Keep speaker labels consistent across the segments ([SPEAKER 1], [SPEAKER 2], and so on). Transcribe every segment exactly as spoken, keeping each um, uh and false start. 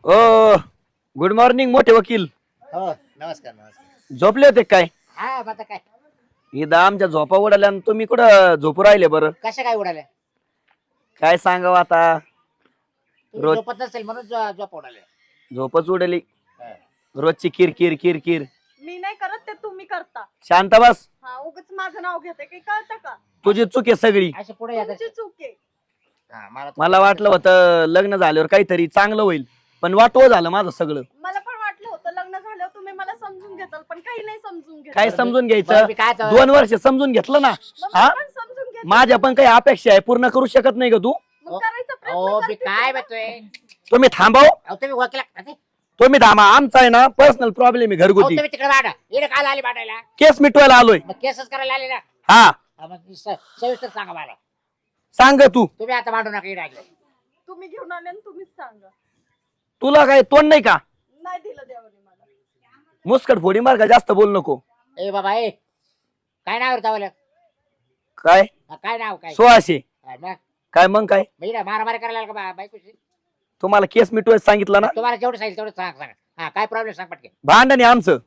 [SPEAKER 1] ओ good morning मोठे वकील.
[SPEAKER 2] हो नमस्कार नमस्कार.
[SPEAKER 1] झोपले होते काय?
[SPEAKER 2] हा आता काय
[SPEAKER 1] इथं आमच्या झोपा उडाल्या आणि तुम्ही कुठं झोपू राहिले बरं?
[SPEAKER 2] कशा काय उडाल्या?
[SPEAKER 1] काय सांगावं आता,
[SPEAKER 2] तुम्ही
[SPEAKER 1] रोज-
[SPEAKER 2] झोपत नसेल म्हणून झो- झोप उडाल्या.
[SPEAKER 1] झोपच उडली.
[SPEAKER 2] हा.
[SPEAKER 1] रोजची किर किर किर किर.
[SPEAKER 3] मी नाही करत ते तुम्ही करता.
[SPEAKER 1] शांत बस.
[SPEAKER 3] हा उगाच माझं नाव घेते काही कळतं का?
[SPEAKER 1] तुझी चूक आहे सगळी.
[SPEAKER 2] असे पुढे येतात.
[SPEAKER 3] तुमची चूक आहे.
[SPEAKER 2] हा, मला
[SPEAKER 1] मला वाटलं होतं लग्न झाल्यावर काहीतरी चांगलं होईल, पण वाटवं झालं माझं सगळं.
[SPEAKER 3] मला पण वाटलं होतं लग्न झाल्यावर तुम्ही मला समजून घेताल, पण काही नाही समजून घेत.
[SPEAKER 1] काय समजून
[SPEAKER 2] बरं,
[SPEAKER 1] घ्यायचं?
[SPEAKER 2] मी काय तर-
[SPEAKER 1] दोन वर्ष समजून घेतलं ना. हा
[SPEAKER 3] पण समजून घेत.
[SPEAKER 1] माझ्या पण काही अपेक्षा आहे, पूर्ण करू शकत नाही का तू?
[SPEAKER 3] मग करायचा
[SPEAKER 2] हो
[SPEAKER 3] प्रयत्न
[SPEAKER 2] मी
[SPEAKER 3] करते
[SPEAKER 2] काय
[SPEAKER 3] ना.
[SPEAKER 2] बघतोय?
[SPEAKER 1] तुम्ही थांबाव.
[SPEAKER 2] अहो तुम्ही वकील अहो,
[SPEAKER 1] तुम्ही थांबा. आमचा आहे ना पर्सनल प्रॉब्लेम आहे घरगुती.
[SPEAKER 2] तुम्ही तिकडे वाढा. इकडे काल आले वाटायला.
[SPEAKER 1] केस मिटवायला आलोय.
[SPEAKER 2] मग केसच करायला आले ना.
[SPEAKER 1] हा
[SPEAKER 2] हा, मग स- सविस्तर सांगा मला.
[SPEAKER 1] सांग तू.
[SPEAKER 2] तुम्ही आता मांडू नका इकडे आले.
[SPEAKER 3] तुम्ही घेऊन आले आणि तुम्हीच सांगा.
[SPEAKER 1] तुला काय तोंड नाही का?
[SPEAKER 3] नाही दिलं देवाने मला.
[SPEAKER 1] मुस्कट फोडी मार का, जास्त बोल नको.
[SPEAKER 2] ए बाबा ए काय नाव तावलं?
[SPEAKER 1] काय
[SPEAKER 2] काय नाव काय?
[SPEAKER 1] सोळाशे
[SPEAKER 2] हा, मग
[SPEAKER 1] काय मग काय?
[SPEAKER 2] मग इकडे मारामारी करायला लागला का बा- बायकोशी?
[SPEAKER 1] तुम्हाला केस मिटवायचं सांगितलं ना.
[SPEAKER 2] तुम्हाला जेवढं सांगितलं तेवढं सांग सांगा. हा काय प्रॉब्लेम सांग पटके.
[SPEAKER 1] भांडण आहे आमचं.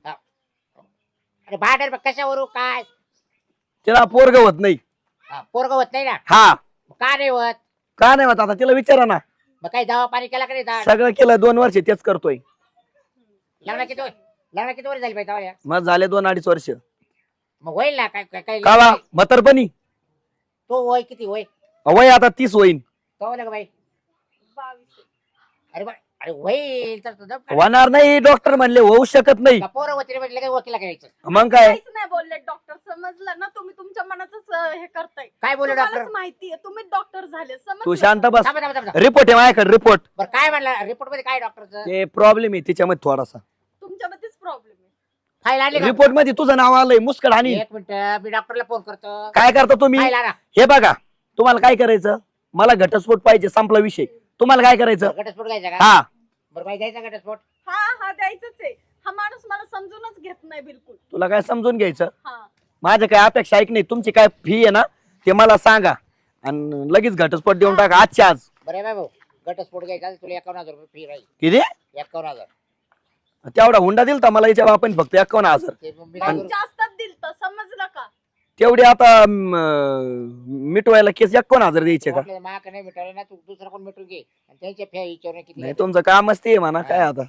[SPEAKER 2] अरे भांडण कशावरून काय?
[SPEAKER 1] तिला पोरग होत नाही.
[SPEAKER 2] हा, पोरगं होत नाही ना.
[SPEAKER 1] हा
[SPEAKER 2] मग का नाही होत?
[SPEAKER 1] का नाही होत आता तिला विचारा ना.
[SPEAKER 2] मग काही दवा पाणी केला का नाही? दा-
[SPEAKER 1] सगळं केलं, दोन वर्ष तेच करतोय.
[SPEAKER 2] लग्न किती वय- लग्न किती वर झाली पाहिजे तेव्हा?
[SPEAKER 1] मग झाले दोन अडीच वर्ष.
[SPEAKER 2] मग होईल ना काय काय- काय
[SPEAKER 1] कावा म्हातारपणी
[SPEAKER 2] तो वय किती वय?
[SPEAKER 1] वय आता तीस होईन.
[SPEAKER 2] तो का बाई?
[SPEAKER 3] बावीस आहे.
[SPEAKER 2] अरे बा अरे होईल तर तो दम काढ.
[SPEAKER 1] होणार नाही. डॉक्टर म्हणले होऊ शकत नाही.
[SPEAKER 2] का पोरं होती रे म्हणजे लगेच वकिला करायचं?
[SPEAKER 1] मग काय?
[SPEAKER 3] काहीच नाही बोलले डॉक्टर. समजलं ना, तुम्ही तुमच्या मनातच अं, हे करताय.
[SPEAKER 2] काय बोलू डॉक्टर?
[SPEAKER 3] तुम्हालाच माहितीये तुम्ही डॉक्टर झाले.
[SPEAKER 1] तू
[SPEAKER 3] समजलं
[SPEAKER 1] शांत
[SPEAKER 3] का?
[SPEAKER 1] बस.
[SPEAKER 2] थांबा थांबा थांबा.
[SPEAKER 1] रिपोर्ट आहे माझ्याकडे, रिपोर्ट.
[SPEAKER 2] बरं काय म्हणला रिपोर्ट मध्ये? काय डॉक्टरचं
[SPEAKER 1] ते प्रॉब्लेम आहे तिच्यामध्ये थोडासा.
[SPEAKER 3] तुमच्यामध्येच प्रॉब्लेम आहे.
[SPEAKER 2] फाईल आणली का?
[SPEAKER 1] रिपोर्ट मध्ये तुझं नाव आलंय मुस्कड. आणि
[SPEAKER 2] एक मिनिट मी डॉक्टरला फोन करतो.
[SPEAKER 1] काय करता तुम्ही?
[SPEAKER 2] फाईल आणा.
[SPEAKER 1] हे बघा, तुम्हाला काय करायचं? मला घटस्फोट पाहिजे, संपला विषय. तुम्हाला काय करायचं?
[SPEAKER 2] घटस्फोट घ्यायचा का?
[SPEAKER 1] हा
[SPEAKER 2] बरं बाई द्यायचा घटस्फोट?
[SPEAKER 3] हा हा द्यायचंच आहे. हा माणूस मला समजूनच घेत नाही बिलकुल.
[SPEAKER 1] तुला काय समजून घ्यायचं?
[SPEAKER 3] हा
[SPEAKER 1] माझ्या काय अपेक्षा ऐक नाही. तुमची काय फी आहे ना ते मला सांगा आणि लगेच घटस्फोट देऊन टाका आजच्या आज.
[SPEAKER 2] बरं बाई भाऊ घटस्फोट घ्यायचा तुला एकावन्न हजार रुपये फी राहील.
[SPEAKER 1] किती?
[SPEAKER 2] एकावन्न हजार.
[SPEAKER 1] तेवढा हुंडा दिलता मला याच्या बापाने फक्त एकावन्न हजार.
[SPEAKER 2] ते मग मी
[SPEAKER 3] पण
[SPEAKER 2] काय करू?
[SPEAKER 3] जास्तच दिलत. समजलं का?
[SPEAKER 1] तेवढी आता अं, मिटवायला केस एकावन्न हजार द्यायचे का?
[SPEAKER 2] वाटलं तर माग नाही मिटवलं ना तू दुसरा कोण मिटून घे आणि त्यांच्या फी विचारून किती
[SPEAKER 1] नाही
[SPEAKER 2] घेतो.
[SPEAKER 1] तुमचं कामच ते आहे म्हणा. काय आता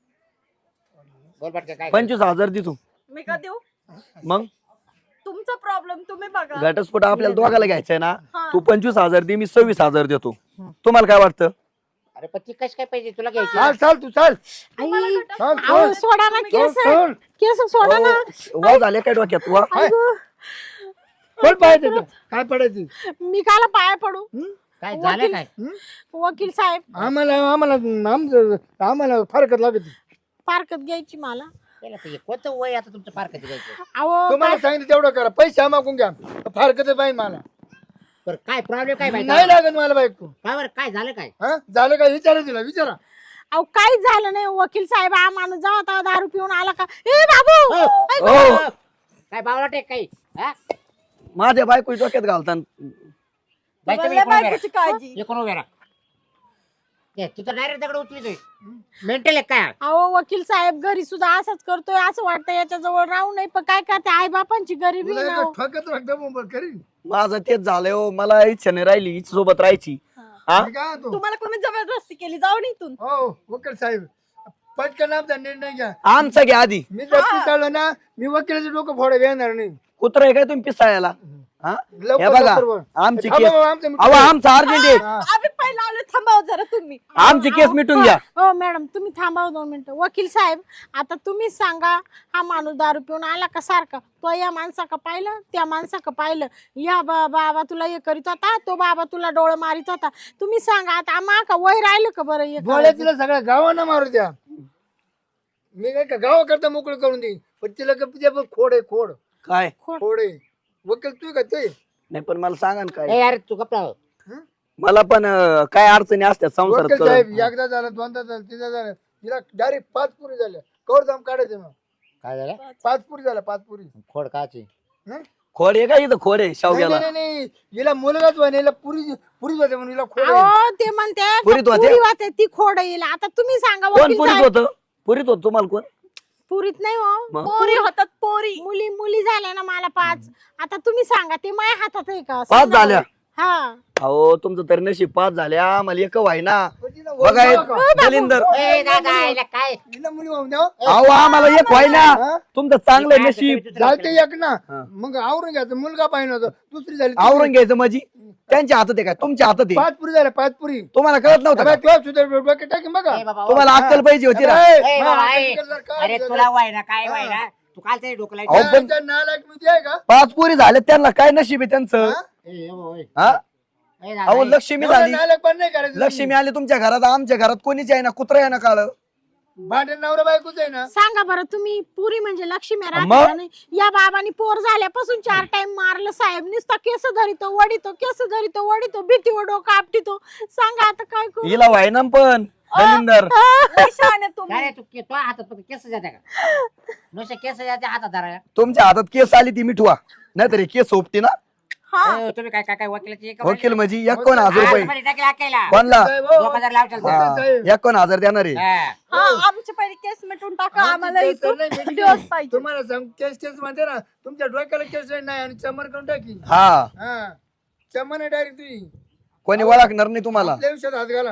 [SPEAKER 2] बोल पटकन काय
[SPEAKER 1] पंचवीस हजार दे तू.
[SPEAKER 3] मी का देऊ?
[SPEAKER 1] मग
[SPEAKER 3] तुमचा प्रॉब्लेम तुम्ही बघा.
[SPEAKER 1] घटस्फोट आपल्याला दोघाला घ्यायचा आहे ना.
[SPEAKER 3] हा.
[SPEAKER 1] तू पंचवीस हजार दे, मी सव्वीस हजार देतो. तुम्हाला काय वाटतं?
[SPEAKER 2] अरे पण ती कशी काय पाहिजे तुला घ्यायची?
[SPEAKER 4] चाल चाल तू चाल
[SPEAKER 3] तुम्हाला
[SPEAKER 5] आई,
[SPEAKER 3] घटस्फोट
[SPEAKER 4] चाल,
[SPEAKER 3] पाहिजे.
[SPEAKER 5] अहो, सोडा ना
[SPEAKER 3] तुम्ही
[SPEAKER 5] केस.
[SPEAKER 3] घ्या.
[SPEAKER 4] सोड
[SPEAKER 5] केस सोडा ना.
[SPEAKER 1] वा झाले काय डोक्यात? वा
[SPEAKER 5] अगं,
[SPEAKER 4] कोण पाहिजे तुला? काय पडायची
[SPEAKER 5] मी काला पाया पडू?
[SPEAKER 2] काय झालं काय?
[SPEAKER 5] वकील साहेब
[SPEAKER 4] आम्हाला आम्हाला आमचं आम्हाला फारकत लागत
[SPEAKER 5] पारकत घ्यायची मला.
[SPEAKER 2] केलं तर हे कोणतं वय आता तुमचं फार कधी घ्यायचं?
[SPEAKER 5] अहो
[SPEAKER 4] तुम्हाला
[SPEAKER 5] काय-
[SPEAKER 4] सांगितलं तेवढं करा. पैसे मागून घ्या. फारकत पाहिजे मला.
[SPEAKER 2] बरं काय प्रॉब्लेम काय
[SPEAKER 4] नाही
[SPEAKER 2] माहिती?
[SPEAKER 4] लागत मला बायको.
[SPEAKER 2] काय बरं काय झालं काय?
[SPEAKER 4] हा झालं काय? विचारा तिला विचारा.
[SPEAKER 5] अहो काहीच झालं नाही वकील साहेब. हा माणूस जेव्हा तेव्हा दारू पिऊन आला का, ए बाबू
[SPEAKER 2] हो.
[SPEAKER 1] हो.
[SPEAKER 2] काय बावळट आहे काही? हा?
[SPEAKER 1] माझ्या बायको डोक्यात घालतात.
[SPEAKER 2] बाई, तुम्ही
[SPEAKER 3] तुम्हाला
[SPEAKER 2] इकडून उभे
[SPEAKER 3] बायकोची काळजी.
[SPEAKER 2] राहा. इकडून उभे राहा. ते, तू तर डायरेक्ट दगड उचली मेंटल आहे काय?
[SPEAKER 5] अहो वकील साहेब घरी सुद्धा असंच करतोय. असं वाटतं याच्या जवळ राहू नये, पण काय करते आई बापांची गरिबी
[SPEAKER 4] तुला
[SPEAKER 5] ना
[SPEAKER 4] एक
[SPEAKER 5] हो.
[SPEAKER 4] ठोकत राखतं करीन.
[SPEAKER 1] माझं तेच झालंय हो. मला इच्छा नाही राहिली हिच्या सोबत राहायची. हा
[SPEAKER 4] मी काय तो
[SPEAKER 3] तुम्हाला कोणी जबरदस्ती केली? जाऊन इथून.
[SPEAKER 4] हो वकील साहेब पटकन आमचा निर्णय घ्या.
[SPEAKER 1] आमचा घ्या आधी.
[SPEAKER 4] मी जर पिसाळलो ना मी वकिलाचं डोकं फोडा येणार नाही.
[SPEAKER 1] कुत्रा आहे काय तुम्ही पिसाळ्याला? हा
[SPEAKER 4] लवकर
[SPEAKER 1] हे बघा,
[SPEAKER 4] लवकर बोल.
[SPEAKER 1] आमची
[SPEAKER 4] थांबा
[SPEAKER 1] केस
[SPEAKER 4] बाबा, आमचं मिटून
[SPEAKER 1] अहो
[SPEAKER 4] घ्या.
[SPEAKER 1] आमचा अर्जंट आहे.
[SPEAKER 3] आम्ही पहिला आलो. थांबाव जरा तुम्ही.
[SPEAKER 1] आमची केस मिटून घ्या.
[SPEAKER 5] हो मॅडम तुम्ही थांबा दोन मिनिटं. वकील साहेब आता तुम्हीच सांगा, हा माणूस दारू पिऊन आला का सारखा? तो या माणसाका पाहिलं, त्या माणसाका पाहिलं. या बा- बाबा तुला हे करीत होता, तो बाबा तुला डोळं मारित होता. तुम्ही सांगा आता आम्हा का वय राहिलं का बरं हे
[SPEAKER 4] गोळ्या
[SPEAKER 5] करायचं?
[SPEAKER 4] तिला सगळ्या गावांना मारू द्या. मी काय का गावा करता मोकळं करून देईन पण तिला का तिच्या पण खोड आहे खोड
[SPEAKER 1] काय
[SPEAKER 4] खोड आहे. वकील तू का ते
[SPEAKER 1] नाही पण मला सांगा ना
[SPEAKER 2] ए
[SPEAKER 1] काय.
[SPEAKER 2] यार तू कपडा
[SPEAKER 1] मला पण अं, काय अडचणी असतात संसारात
[SPEAKER 4] वकील साहेब
[SPEAKER 1] कळलं.
[SPEAKER 4] एकदा झालं दोनदा झालं तिथं झालं तिला डायरेक्ट पाच पुरी झाल्या कवर दाम काढायचे मग
[SPEAKER 2] काय झालं?
[SPEAKER 4] पाच पुरी झाल्या पाच पुरी
[SPEAKER 2] खोड काची
[SPEAKER 4] हं?
[SPEAKER 1] खोड आहे का इथं खोड आहे
[SPEAKER 4] नाही
[SPEAKER 1] शावग्याला
[SPEAKER 4] नाही, नाही हिला मुलगाच व्हाय हिला पुरी पुरीच होते म्हणून हिला खोड आहे.
[SPEAKER 5] अहो ते म्हणते का
[SPEAKER 1] पुरीत होते?
[SPEAKER 5] पुरी होते ती खोड येईल आता तुम्ही सांगा
[SPEAKER 1] कोण
[SPEAKER 5] वकील
[SPEAKER 1] पुरीत
[SPEAKER 5] साहेब.
[SPEAKER 1] होत पुरीत होत तुम्हाला कोण
[SPEAKER 5] पुरीत नाही हो
[SPEAKER 1] मग?
[SPEAKER 3] पोरी होतात पोरी.
[SPEAKER 5] मुली मुली झाल्या ना मला पाच आता तुम्ही सांगा ते माझ्या हातात आहे का
[SPEAKER 1] पाच झाल्या
[SPEAKER 5] हा
[SPEAKER 1] अहो तुमचं तरी नशीब पाच झाल्या मला एक व्हायना
[SPEAKER 4] पण तिला
[SPEAKER 1] बघा
[SPEAKER 4] वय नव्हतं का?
[SPEAKER 1] दलिंदर
[SPEAKER 2] ए, दादा, याला काय
[SPEAKER 4] हिला मुली वाहून द्या
[SPEAKER 1] अहो आम्हाला एक व्हायना
[SPEAKER 4] हा?
[SPEAKER 1] तुमचं चांगलं नशीब
[SPEAKER 4] झालते एक ना
[SPEAKER 1] हा.
[SPEAKER 4] मग आवरून घ्यायचं मुलगा पाहिजे होता दुसरी झाली तिसरी.
[SPEAKER 1] आवरून घ्यायचं माझी त्यांच्या हातात आहे काय तुमच्या हातात आहे
[SPEAKER 4] पाच पुरी झाल्या पाच पुरी
[SPEAKER 1] तुम्हाला कळत नव्हतं का?
[SPEAKER 4] तुला सुद्धा डोक्यात टाकीन बघा
[SPEAKER 2] ए, बाबा, ओ.
[SPEAKER 1] तुम्हाला अक्कल पाहिजे होती ना
[SPEAKER 4] ए,
[SPEAKER 2] ए,
[SPEAKER 4] हा,
[SPEAKER 2] बाबा,
[SPEAKER 4] आता
[SPEAKER 2] ए.
[SPEAKER 4] तिकडे जर काय
[SPEAKER 2] अरे
[SPEAKER 4] झालं?
[SPEAKER 2] तुला वाय ना काय
[SPEAKER 4] हा.
[SPEAKER 2] वाय ना तू काल तरी डोकला
[SPEAKER 1] अहो, पण-
[SPEAKER 4] त्या नालायक मध्ये आहे का
[SPEAKER 1] पाच पोरी झाले त्यांना काय नशीब आहे त्यांचं
[SPEAKER 4] हा?
[SPEAKER 1] हा अहो लक्ष्मी
[SPEAKER 4] एवढं
[SPEAKER 1] झाली
[SPEAKER 4] नालायक पण नाही करायचं
[SPEAKER 1] लक्ष्मी आली तुमच्या घरात आमच्या घरात कोणीच आहे ना कुत्रा आहे ना काळ
[SPEAKER 4] भांडण नवरा बायकोच आहे ना
[SPEAKER 5] सांगा बरं तुम्ही पुरी म्हणजे लक्ष्मी
[SPEAKER 1] मग?
[SPEAKER 5] राहते का नाही या बाबांनी पोर झाल्यापासून चार टाइम मारलं साहेब नुसता केस धरितो वडितो केस धरितो वडितो भीतीवर डोकं आपटितो सांगा आता काय करू
[SPEAKER 1] हिला व्हायना पण दलिंदर
[SPEAKER 3] लय शहाणे तुम्ही.
[SPEAKER 2] काय रे, तू के- तो हातात फक्त केस जाते का नुसते केस जाते हातात धरा
[SPEAKER 1] तुमच्या हातात केस आली ती मिठवा नाहीतर हे केस सोपती ना
[SPEAKER 3] हा
[SPEAKER 2] ए, तुम्ही काय काय काय वकिलाची एक
[SPEAKER 1] वकील म्हणजे एकोण हजार रुपये
[SPEAKER 2] टाकेल हाकायला
[SPEAKER 1] कोणला
[SPEAKER 4] साहेब, हो.
[SPEAKER 2] दोन हजार लावचाल तर.
[SPEAKER 1] हा, एकोण हजार देणार आहे
[SPEAKER 2] हा.
[SPEAKER 3] हा आमची पहिली केस मिटून टाका
[SPEAKER 4] आमची
[SPEAKER 3] आम्हाला
[SPEAKER 4] केस
[SPEAKER 3] इथून
[SPEAKER 4] नाही मिटली.
[SPEAKER 3] दिवस पाहिजे.
[SPEAKER 4] तुम्हाला सांग केस केस म्हणते ना तुमच्या डोक्याला केस नाही आणि चमन करून टाकी
[SPEAKER 1] हा
[SPEAKER 4] हा चमन आहे डायरेक्ट तुझी
[SPEAKER 1] कोणी ओळखणार नाही तुम्हाला
[SPEAKER 4] आपल्या विषयात हात घाला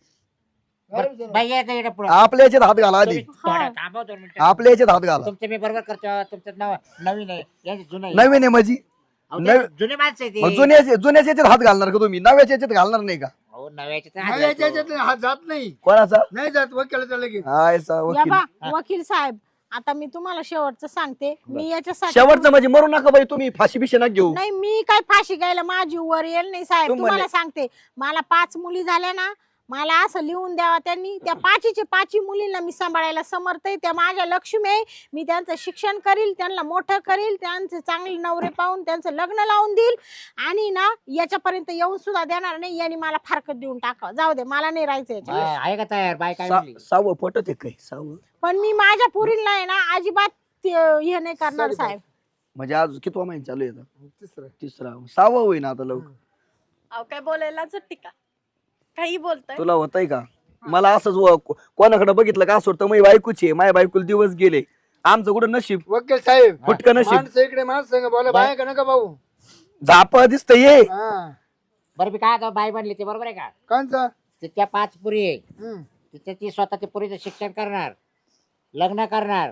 [SPEAKER 2] बरं, बाई येतं इकडे पुढं.
[SPEAKER 1] आपल्या याच्यात हात घाला आधी
[SPEAKER 2] तुम्ही थोडं थांबा दोन मिनिटं.
[SPEAKER 1] आपल्या याच्यात हात घाला
[SPEAKER 2] तुमचं मी बरोबर करतो तुमचं नाव नवीन आहे यांचं जुनं आहे.
[SPEAKER 1] नवीन आहे माझी
[SPEAKER 2] अहो, ते जुने माणसं आहे
[SPEAKER 1] मग
[SPEAKER 2] ते.
[SPEAKER 1] जुन्या जुन्याच याच्यात हात घालणार का तुम्ही नव्याच्या याच्यात घालणार नाही का
[SPEAKER 2] अहो, नव्याचे तर हात
[SPEAKER 4] नव्याच्या
[SPEAKER 2] घालतो.
[SPEAKER 4] याच्यात हात जात नाही
[SPEAKER 1] कोणाचा
[SPEAKER 4] नाही जात वकिलाचा लगेच
[SPEAKER 1] हाय सा
[SPEAKER 5] या
[SPEAKER 1] वकील
[SPEAKER 5] बा वकील साहेब आता मी तुम्हाला शेवटचं सांगते मी याच्यासाठी
[SPEAKER 1] शेवटचं म्हणजे मरू नका बाई तुम्ही फाशी बिशी नका घेऊ
[SPEAKER 5] नाही मी काय फाशी घ्यायला माझी वर येईल नाही साहेब
[SPEAKER 1] तू म्हणे-
[SPEAKER 5] तुम्हाला सांगते मला पाच मुली झाल्या ना मला असं लिहून द्यावा त्यांनी त्या पाचीचे पाची मुलींना मी सांभाळायला समर्थ आहे त्या माझ्या लक्ष्मी आहे मी त्यांचं शिक्षण करील त्यांना मोठं करील त्यांचे चांगले नवरे पाहून त्यांचं लग्न लावून देईल आणि ना याच्यापर्यंत येऊन सुद्धा देणार नाही यांनी मला फारकत देऊन टाका जाऊ दे मला नाही राहायचं याच्यात.
[SPEAKER 2] हा, आहे का तयार बाय काय
[SPEAKER 1] सा-
[SPEAKER 2] म्हणली?
[SPEAKER 1] सहावं पटत आहे काय सहावं
[SPEAKER 5] पण मी माझ्या पुरीला आहे ना अजिबात ते- हे नाही करणार साहेब
[SPEAKER 1] म्हणजे आज कितवा महिना चालू आहे आता?
[SPEAKER 4] तिसरं
[SPEAKER 1] तिसरा सहावं होईन आता लवकर
[SPEAKER 3] अहो काय बोलायला टिका काही बोलताय
[SPEAKER 1] तुला होतंय का मला असंच व- कोणाकडे बघितलं का असं वाटतं मी बायकोची आहे माझ्या बायकोला दिवस गेले आमचं कुठं नशीब
[SPEAKER 4] वकील साहेब
[SPEAKER 1] फुटकं नशीब
[SPEAKER 4] माणसं इकडे माणसं संग बोला बाय का नका भाऊ
[SPEAKER 1] झाप दिसत ये
[SPEAKER 4] हा
[SPEAKER 2] बरं मी काय आता बाय म्हणली ते बरोबर आहे का
[SPEAKER 4] कांचा
[SPEAKER 2] ते त्या पाच पुरी आहे
[SPEAKER 4] हम्म.
[SPEAKER 2] तिथे ती स्वतः ते पुरीचं शिक्षण करणार लग्न करणार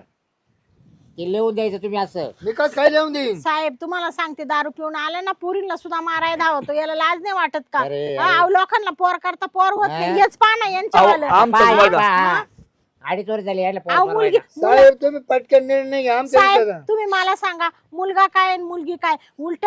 [SPEAKER 2] ते लिहून द्यायचं तुम्ही असं
[SPEAKER 4] मी कस काय लिहून देईन
[SPEAKER 5] साहेब तुम्हाला सांगते दारू पिऊन आले ना पोरींना सुद्धा मारायला धावतो याला लाज नाही वाटत का
[SPEAKER 2] अरे,
[SPEAKER 5] हा, अहो, लोकांना पोर करता पोर होत नाही
[SPEAKER 2] हा?
[SPEAKER 5] हेच पाना यांच्यावालं
[SPEAKER 1] अहो, आमचं
[SPEAKER 2] बाय,
[SPEAKER 1] बघा.
[SPEAKER 2] बाय. अडीच वर्ष झाली यायला पोर
[SPEAKER 5] अहो, मुलगी
[SPEAKER 2] बनवायला.
[SPEAKER 4] साहेब तुम्ही पटकन निर्णय घ्या आमच्या
[SPEAKER 5] साहेब
[SPEAKER 4] विषयाचा.
[SPEAKER 5] तुम्ही मला सांगा मुलगा काय आणि मुलगी काय उलट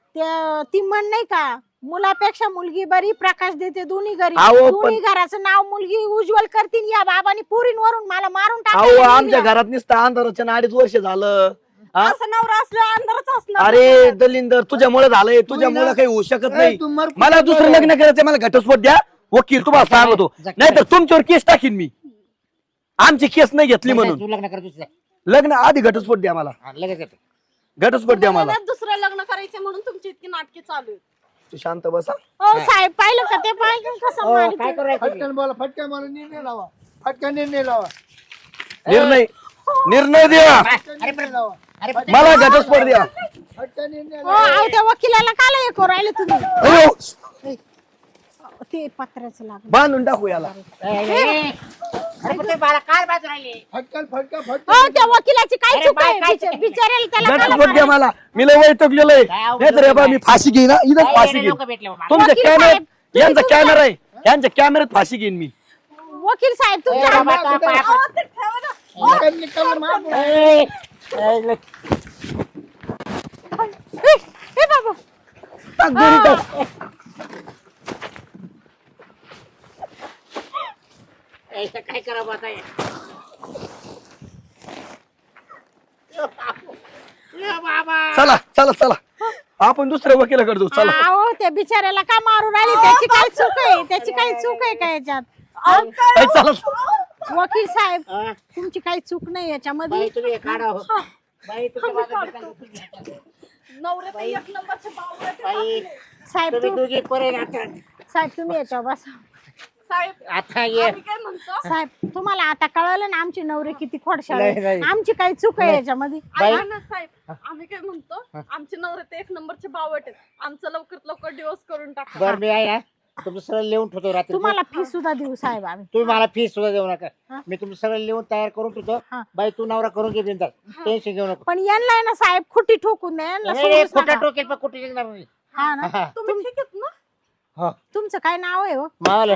[SPEAKER 5] ती म्हण नाही का मुलापेक्षा मुलगी बरी प्रकाश देते दोन्ही घरी
[SPEAKER 1] अहो, पण-
[SPEAKER 5] दोन्ही घराचं नाव मुलगी उज्ज्वल करतील या बाबांनी पुरींवरून मला मारून
[SPEAKER 1] अहो
[SPEAKER 5] टाकायला
[SPEAKER 1] आमच्या
[SPEAKER 5] नेलं.
[SPEAKER 1] घरात नुसतं अंधाराच्या अडीच वर्ष झालं हा?
[SPEAKER 3] असं नवरा असल्यावर अंधारच असणार
[SPEAKER 1] अरे दलिंदर तुझ्यामुळे झालंय तुझ्यामुळे काही होऊ शकत
[SPEAKER 4] ए,
[SPEAKER 1] नाही
[SPEAKER 4] तू मर-
[SPEAKER 1] मला दुसरं लग्न करायचंय मला घटस्फोट द्या वकील तुम्हाला सांगतो नाहीतर तुमच्यावर केस टाकीन मी आमची केस नाही घेतली म्हणून
[SPEAKER 2] तू लग्न कर दुसरं
[SPEAKER 1] लग्न आधी घटस्फोट द्या मला
[SPEAKER 2] हा, लगेच येतो.
[SPEAKER 1] घटस्फोट द्या मला
[SPEAKER 3] तुम्हाला दुसरं लग्न करायचे म्हणून तुमची इतकी नाटके चालू आहेत
[SPEAKER 1] तू शांत बसा
[SPEAKER 5] हो साहेब पाहिलं का ते पाहिलं कसं
[SPEAKER 2] हो,
[SPEAKER 5] मारित?
[SPEAKER 2] काय करायचं
[SPEAKER 4] फटकन बोला फटकन मला निर्णय लावा फटकन निर्णय लावा
[SPEAKER 1] निर्णय निर्णय द्या
[SPEAKER 4] फटकन निर्णय लावा
[SPEAKER 2] अरे पण
[SPEAKER 1] मला घटस्फोट द्या
[SPEAKER 4] फटकन निर्णय
[SPEAKER 5] हो
[SPEAKER 4] लावा
[SPEAKER 5] अहो, त्या वकिलाला काला हे करू राहिले तुम्ही
[SPEAKER 1] अयो,
[SPEAKER 5] ते पत्र्याचं लागलं
[SPEAKER 1] बांधून टाकू याला
[SPEAKER 2] ए, ए, ए. अरे पण तुम्ही मला काय बाजू राहिले
[SPEAKER 4] फटकन फटकन
[SPEAKER 5] हो
[SPEAKER 4] फटकन
[SPEAKER 5] त्या वकिलाची काय
[SPEAKER 2] अरे
[SPEAKER 5] चूक
[SPEAKER 2] बाय,
[SPEAKER 5] आहे
[SPEAKER 2] काय
[SPEAKER 5] बिचा-
[SPEAKER 2] चूक?
[SPEAKER 5] बिचाऱ्याला त्याला काला
[SPEAKER 1] घटस्फोट द्या
[SPEAKER 5] मारायचं?
[SPEAKER 1] मला मी लय वैतागलेलो आहे
[SPEAKER 2] काय अवघड
[SPEAKER 1] नाहीतर हे बा
[SPEAKER 2] आहे?
[SPEAKER 1] मी फाशी घेईन हा, इथं फाशी घेईन
[SPEAKER 2] लोक भेटले बाबा.
[SPEAKER 1] तुमच्या
[SPEAKER 5] वकील
[SPEAKER 1] कॅमेऱ्यात
[SPEAKER 5] साहेब, तुम्ही
[SPEAKER 1] यांचा
[SPEAKER 5] तुमच्या-
[SPEAKER 1] कॅमेरा आहे यांच्या कॅमेऱ्यात फाशी घेईन मी
[SPEAKER 5] वकील साहेब
[SPEAKER 2] ए,
[SPEAKER 5] तुमच्या
[SPEAKER 2] बाबा, आता पाया
[SPEAKER 3] अहो,
[SPEAKER 2] पड.
[SPEAKER 3] ते ठेवा ना.
[SPEAKER 4] निकाल निकाल मार
[SPEAKER 2] ए, ए, ले.
[SPEAKER 5] ए, ए बाबा
[SPEAKER 1] टाक दोन्ही टाक.
[SPEAKER 2] ए, इथं काय करावं आता हे? ए, बाबू. ए, बाबा
[SPEAKER 1] चला चला चला आपण दुसऱ्या वकिलाकडे जाऊ चला
[SPEAKER 5] अहो त्या बिचाऱ्याला का मारू राहिली त्याची काय चूक आहे त्याची काय चूक आहे का याच्यात
[SPEAKER 3] अहो, काय
[SPEAKER 1] ए, चला
[SPEAKER 5] वकील साहेब
[SPEAKER 2] हा?
[SPEAKER 5] तुमची काही चूक नाही याच्यामध्ये
[SPEAKER 2] बाई तुम्ही हे काढा हो. बाई तुमच्या बाजूला निकाल उचलून घ्या.
[SPEAKER 3] नवरे तर एक नंबरचे बावळे आहेत
[SPEAKER 2] बाई.
[SPEAKER 3] आपले.
[SPEAKER 5] साहेब
[SPEAKER 2] तुम्ही
[SPEAKER 5] तू
[SPEAKER 2] दोघी पोरे आता
[SPEAKER 5] साहेब तुम्ही याच्यावर बसा.
[SPEAKER 3] साहेब
[SPEAKER 2] आता ये
[SPEAKER 3] आम्ही काय म्हणतो
[SPEAKER 5] साहेब तुम्हाला आता कळलं ना आमचे नवरे किती खोडशाळ
[SPEAKER 2] नाही,
[SPEAKER 5] आहे.
[SPEAKER 2] नाही.
[SPEAKER 5] आमची काही चूक आहे
[SPEAKER 2] नाही.
[SPEAKER 5] याच्यामध्ये
[SPEAKER 2] बाई.
[SPEAKER 3] ऐका ना साहेब आम्ही काय म्हणतो आमचे नवरे तर एक नंबरचे बावट आहेत आमचं लवकरात लवकर डिवोर्स करून टाका
[SPEAKER 2] बरं मी आहे ना तुमचं सगळं लिहून ठेवतो रात्री
[SPEAKER 5] तुम्हाला फी सुद्धा देऊ साहेब आम्ही
[SPEAKER 2] तुम्ही मला फीस सुद्धा देऊ नका
[SPEAKER 5] हा.
[SPEAKER 2] मी तुमचं सगळं लिहून तयार करून ठेवतो
[SPEAKER 5] हा.
[SPEAKER 2] बाई तू नवरा करून घे बिनधास्त. टेन्शन घेऊ नको
[SPEAKER 5] पण यांना आहे ना साहेब खुटी ठोकून द्या यांना
[SPEAKER 2] नाही, नाही,
[SPEAKER 5] सोडूच
[SPEAKER 2] कुठं
[SPEAKER 5] नका.
[SPEAKER 2] टोकेल पण कुठे निघणार नाही
[SPEAKER 5] हा ना
[SPEAKER 2] हा.
[SPEAKER 3] तुम्ही ठीक आहेत ना
[SPEAKER 2] हो
[SPEAKER 5] तुमचं काय नाव आहे हो
[SPEAKER 2] मावलं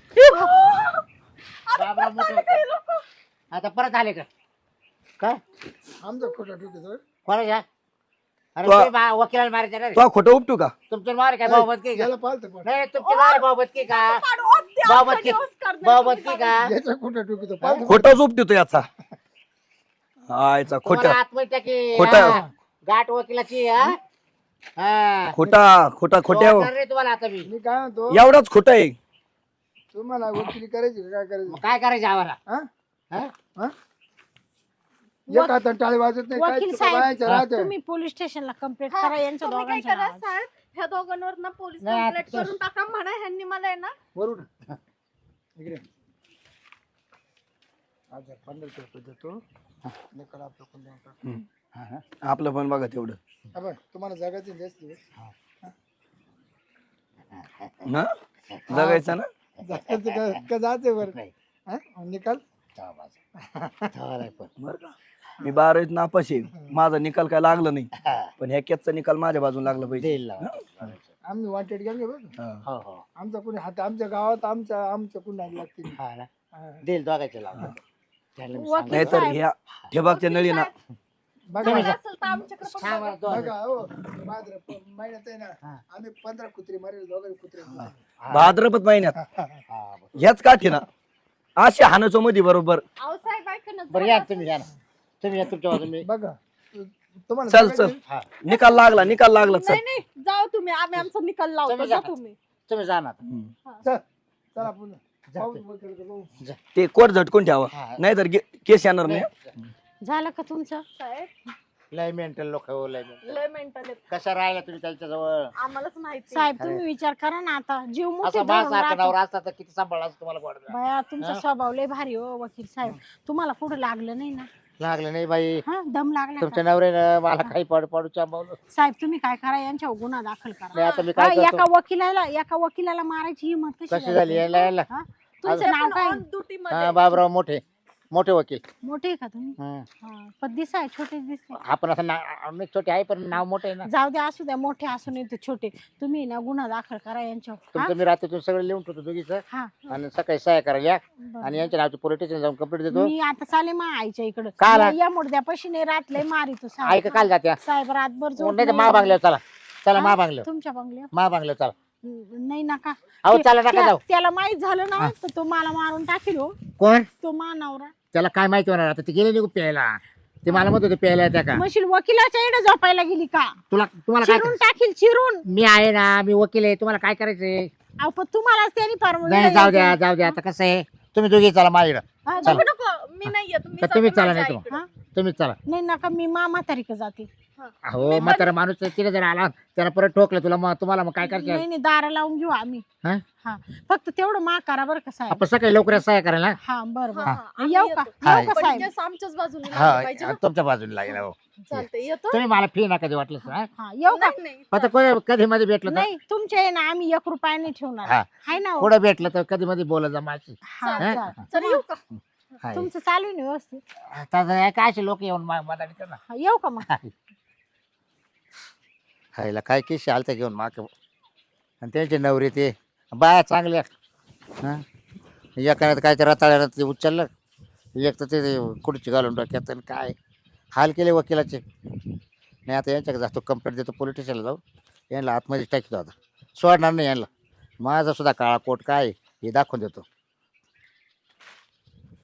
[SPEAKER 3] अरे,
[SPEAKER 2] बाबरा
[SPEAKER 3] परत
[SPEAKER 2] मोठं.
[SPEAKER 3] आले काही लोकं.
[SPEAKER 2] आता परत आले का काय
[SPEAKER 4] आमचा खोटा ठोकतो
[SPEAKER 2] कोणाच्या अरे
[SPEAKER 1] तो-
[SPEAKER 2] तुम्ही बा- वकिलाला मारायचं ना
[SPEAKER 1] तो खोटं उपटू का
[SPEAKER 2] तुमचं मार काय भाऊ बदकी का
[SPEAKER 4] याला पालतं पण
[SPEAKER 2] नाही तुमचे मार भाऊ बदकी का
[SPEAKER 3] काढू, ओ, ते
[SPEAKER 2] भाऊ
[SPEAKER 3] आमचा
[SPEAKER 2] बदकी
[SPEAKER 3] divorce करणार
[SPEAKER 2] भाऊ
[SPEAKER 3] तुम्ही
[SPEAKER 2] बदकी
[SPEAKER 3] काढा.
[SPEAKER 2] का
[SPEAKER 4] याचा खोटा ठोकतो पालतं
[SPEAKER 1] खोटंच उपटू तो याचा आयचा खोट
[SPEAKER 2] तुम्हाला आत्महत्या की
[SPEAKER 1] खोटं.
[SPEAKER 2] हा. गाठ वकिलाची हा हा.
[SPEAKER 1] खोटा खोटा खोट्या
[SPEAKER 2] सोडणार नाही तुम्हाला आता मी
[SPEAKER 4] मी काय म्हणतो
[SPEAKER 1] एवढाच खोट आहे
[SPEAKER 4] तुम्हाला वकिली करायची का काय करायची
[SPEAKER 2] मग काय करायचं आम्हाला
[SPEAKER 4] हा?
[SPEAKER 2] हा?
[SPEAKER 4] हा? एक हातात टाळी वाजत नाही काय
[SPEAKER 5] वकील
[SPEAKER 4] चुका बायाच्या
[SPEAKER 5] साहेब
[SPEAKER 4] राहत्या.
[SPEAKER 5] तुम्ही पोलीस स्टेशनला कंप्लेंट
[SPEAKER 3] हा,
[SPEAKER 5] करा यांच्या
[SPEAKER 3] तुम्ही काय
[SPEAKER 5] दोघांच्या
[SPEAKER 3] करा
[SPEAKER 5] नावावर.
[SPEAKER 3] साहेब ह्या दोघांवर ना पोलीस
[SPEAKER 2] नाही, आता
[SPEAKER 3] कंप्लेंट करून टाका म्हणा ह्यांनी मला आहे ना
[SPEAKER 4] वरून इकडे हजार पंधराशे रुपये देतो निकाल आपलं कोण देऊन टाक.
[SPEAKER 2] हा, हा.
[SPEAKER 1] आपलं पण बघा तेवढं
[SPEAKER 4] हा बघ, तुम्हाला जगायचं जास्त दिवस.
[SPEAKER 1] ना जगायचं ना
[SPEAKER 4] जगायचं का का जायचं बरं
[SPEAKER 2] नाही.
[SPEAKER 4] हा? निकाल
[SPEAKER 2] जाऊ माझं. चालेल पण.
[SPEAKER 1] बरं का मी बारावीत नापास आहे माझा निकाल काय लागला नाही
[SPEAKER 2] हा.
[SPEAKER 1] पण ह्या केसचा निकाल माझ्या बाजून लागला पाहिजे
[SPEAKER 2] देईल लावा.
[SPEAKER 4] आम्ही वांटेड गेलो बघ
[SPEAKER 1] हा.
[SPEAKER 2] हो हो
[SPEAKER 4] आमचा कोणी हात आमच्या गावात आमच्या आमच्या कुणी लागते
[SPEAKER 2] हा ना
[SPEAKER 4] हा.
[SPEAKER 2] देईल दोघायचं लावा त्याला मी
[SPEAKER 5] वकील
[SPEAKER 2] सांगतो.
[SPEAKER 1] नाहीतर ह्या ठिबकच्या नळी ना
[SPEAKER 4] बघा
[SPEAKER 3] झालं असेल तर आमच्याकडे पण
[SPEAKER 2] सांग
[SPEAKER 3] बघा.
[SPEAKER 2] मला दोन.
[SPEAKER 4] बघा हो भाद्र प- महिन्यात आहे ना
[SPEAKER 2] हा.
[SPEAKER 4] आम्ही पंधरा कुत्री मारेल दोघं कुत्रे
[SPEAKER 2] हा.
[SPEAKER 1] भाद्रपद महिन्यात
[SPEAKER 2] हा, बरं.
[SPEAKER 1] ह्याच काठी ना असे हाणाचो मध्ये बरोबर
[SPEAKER 3] अहो साहेब ऐका ना
[SPEAKER 2] बरं
[SPEAKER 3] झालं
[SPEAKER 2] या
[SPEAKER 3] असेल.
[SPEAKER 2] तुम्ही या ना तुम्ही या तुमच्या बाजून मी
[SPEAKER 4] बघा तुम्हाला
[SPEAKER 1] चल
[SPEAKER 4] जगायचं-
[SPEAKER 1] चल
[SPEAKER 2] हा
[SPEAKER 1] निकाल लागला निकाल लागला चल
[SPEAKER 3] नाही नाही जाओ तुम्ही आम्ही आमचा निकाल लावतो
[SPEAKER 2] तुम्ही
[SPEAKER 3] जा
[SPEAKER 2] जा.
[SPEAKER 3] तुम्ही
[SPEAKER 2] तुम्ही जा ना आता.
[SPEAKER 1] हम्म.
[SPEAKER 4] चल चला पुन्हा
[SPEAKER 2] जा
[SPEAKER 4] पाहू,
[SPEAKER 2] तुम्ही.
[SPEAKER 4] वकील कडे पाहू.
[SPEAKER 2] जा.
[SPEAKER 1] ते कोट झटकून ठेवा
[SPEAKER 2] हा.
[SPEAKER 1] नाहीतर गे- केस येणार नाही
[SPEAKER 5] झालं का तुमचं
[SPEAKER 3] साहेब
[SPEAKER 2] लय मेंटल लोक हो लय mental.
[SPEAKER 3] लय मेंटल आहेत
[SPEAKER 2] कशा राहिला तुम्ही त्यांच्याजवळ
[SPEAKER 3] आम्हालाच माहिती
[SPEAKER 5] साहेब तुम्ही विचार करा ना आता जीव मुठीत
[SPEAKER 2] असं
[SPEAKER 5] धरून
[SPEAKER 2] माझा
[SPEAKER 5] राहतो.
[SPEAKER 2] नवरा असता तर किती सांभाळला असतं तुम्हाला वाटत
[SPEAKER 5] बया तुमचा
[SPEAKER 2] हा?
[SPEAKER 5] स्वभाव लय भारी हो वकील साहेब तुम्हाला कुठं लागलं नाही ना
[SPEAKER 2] लागलं नाही बाई
[SPEAKER 5] हा दम लागला
[SPEAKER 2] तुमच्या
[SPEAKER 5] का?
[SPEAKER 2] नवऱ्यानं मला काही पाडू पाडू चांबवलं
[SPEAKER 5] साहेब तुम्ही काय करा यांच्यावर गुन्हा दाखल करा
[SPEAKER 2] नाही आता मी
[SPEAKER 5] हा,
[SPEAKER 2] काय
[SPEAKER 5] एका
[SPEAKER 2] करतो
[SPEAKER 5] वकिलाला एका वकिलाला मारायची हिंमत कशी
[SPEAKER 2] कशी झाली यायला यायला
[SPEAKER 5] हा? तुमचं नाव काय
[SPEAKER 3] ऑन ड्युटी
[SPEAKER 2] हा
[SPEAKER 3] मध्ये
[SPEAKER 2] बाबराव मोठे मोठे वकील
[SPEAKER 5] मोठे आहे का तुम्ही
[SPEAKER 2] हं.
[SPEAKER 5] हा, पण दिसाय छोटे दिसते
[SPEAKER 2] आपण असं ना- मी छोटे आहे पण नाव मोठे आहे ना
[SPEAKER 5] जाऊ द्या असू द्या मोठे असू नये तर छोटे तुम्ही ना गुन्हा दाखल करा यांच्यावर हा?
[SPEAKER 2] तुमचं मी रात्रीतून सगळं लिहून ठेवतो दोघीचं
[SPEAKER 5] हा
[SPEAKER 2] आणि सकाळी सहाय्या करायला या
[SPEAKER 5] बरं.
[SPEAKER 2] आणि यांच्या नावची पोलीस स्टेशन जाऊन कंप्लीट देतो
[SPEAKER 5] मी आता चाले मा आईच्या इकडं
[SPEAKER 2] का आला?
[SPEAKER 5] या- या मुडद्यापाशी नाही राहत मारी तू
[SPEAKER 2] ऐक काल जात्या
[SPEAKER 5] साहेब रातभर झोप
[SPEAKER 2] नाही तर
[SPEAKER 5] नाही.
[SPEAKER 2] मा बांगल्यावर चला चला मा
[SPEAKER 5] हा?
[SPEAKER 2] बांगल्यावर
[SPEAKER 5] तुमच्या बंगल्यावर
[SPEAKER 2] मा बांगल्यावर चला
[SPEAKER 5] न- नाही नका
[SPEAKER 2] अहो
[SPEAKER 5] ते-
[SPEAKER 2] चला नका
[SPEAKER 5] त्या-
[SPEAKER 2] जाऊ
[SPEAKER 5] त्याला माहित झालं ना तर तो मला मारून टाकील हो
[SPEAKER 2] कोण
[SPEAKER 5] तो मा नवरा
[SPEAKER 2] त्याला काय माहिती होणार आता ते गेले निघू प्यायला ते मला म्हणत होते प्यायला त्या का
[SPEAKER 5] म्हणशील वकिलाच्या इकडे झोपायला गेली का
[SPEAKER 2] तुला तुम्हाला काय
[SPEAKER 5] चिरून टाकील चिरून
[SPEAKER 2] मी आहे ना मी वकील आहे तुम्हाला काय करायचंय
[SPEAKER 5] अहो पण तुम्हालाच त्यांनी
[SPEAKER 2] नाही जाऊ द्या जाऊ द्या आता कसं आहे तुम्ही दोघी चला माझ्याकडं
[SPEAKER 5] परवानगी
[SPEAKER 3] नको नको मी नाही येत
[SPEAKER 2] तर तुम्ही चला
[SPEAKER 3] माझ्या
[SPEAKER 2] नाही
[SPEAKER 3] आईकडे.
[SPEAKER 2] तुम्ही तुम्ही चला
[SPEAKER 5] नाही नका मी मामा तारीख जाते
[SPEAKER 3] हा.
[SPEAKER 2] हो म्हातारा माणूस तिने जर आला त्याला परत ठोकलं तुला मग तुम्हाला मग काय करायचं
[SPEAKER 5] नाही नाही दारा लावून घेऊ आम्ही
[SPEAKER 2] हा?
[SPEAKER 5] हा फक्त तेवढं मा करा बरं का साहेब
[SPEAKER 2] आपण सकाळी लवकर सहाय्य करायला ना
[SPEAKER 5] हा बरं
[SPEAKER 3] हा,
[SPEAKER 5] बरं
[SPEAKER 3] हा, आम्ही
[SPEAKER 5] येऊ का
[SPEAKER 3] येतो.
[SPEAKER 2] हा.
[SPEAKER 5] येऊ का
[SPEAKER 3] पण
[SPEAKER 5] साहेब
[SPEAKER 3] केस आमच्याच बाजूने लागलं पाहिजे
[SPEAKER 2] हा
[SPEAKER 3] ना.
[SPEAKER 2] तुमच्या बाजूला लागेल हो
[SPEAKER 3] चालतंय येतो
[SPEAKER 2] तुम्ही मला फी नका कधी वाटलं तर, हा?
[SPEAKER 5] हा येऊ का
[SPEAKER 3] नाही नाही
[SPEAKER 2] आता कोणी- कधी मध्ये भेटलं तर
[SPEAKER 5] नाही तुमच्या आहे ना आम्ही एक रुपया नाही ठेवणार
[SPEAKER 2] हा.
[SPEAKER 5] हाय ना हो?
[SPEAKER 2] कुठं भेटलं तर कधी मध्ये बोला जा माझी
[SPEAKER 5] हा
[SPEAKER 2] हा?
[SPEAKER 5] चालेल.
[SPEAKER 3] चल येऊ का
[SPEAKER 2] हाय.
[SPEAKER 5] तुमचं चालू आहे ना व्यवस्थित
[SPEAKER 2] आता काय असे लोक येऊन मा- मदत करतात ना
[SPEAKER 5] हा, येऊ का मग
[SPEAKER 2] हायला काय की शालता घेऊन माग आणि त्यांचे नवरे ते बाया चांगल्या हां एकाने काय ते रताळ्यानं ते उचललं एक तर ते खुर्ची घालून डोक्यात आणि काय हाल केले वकिलाचे नाही आता यांच्याकडे जातो कंप्लेंट देतो पोलीस स्टेशनला जाऊ यांना आतमध्ये टाकतो आता सोडणार नाही यांना माझा सुद्धा काळा कोट काय आहे हे दाखवून देतो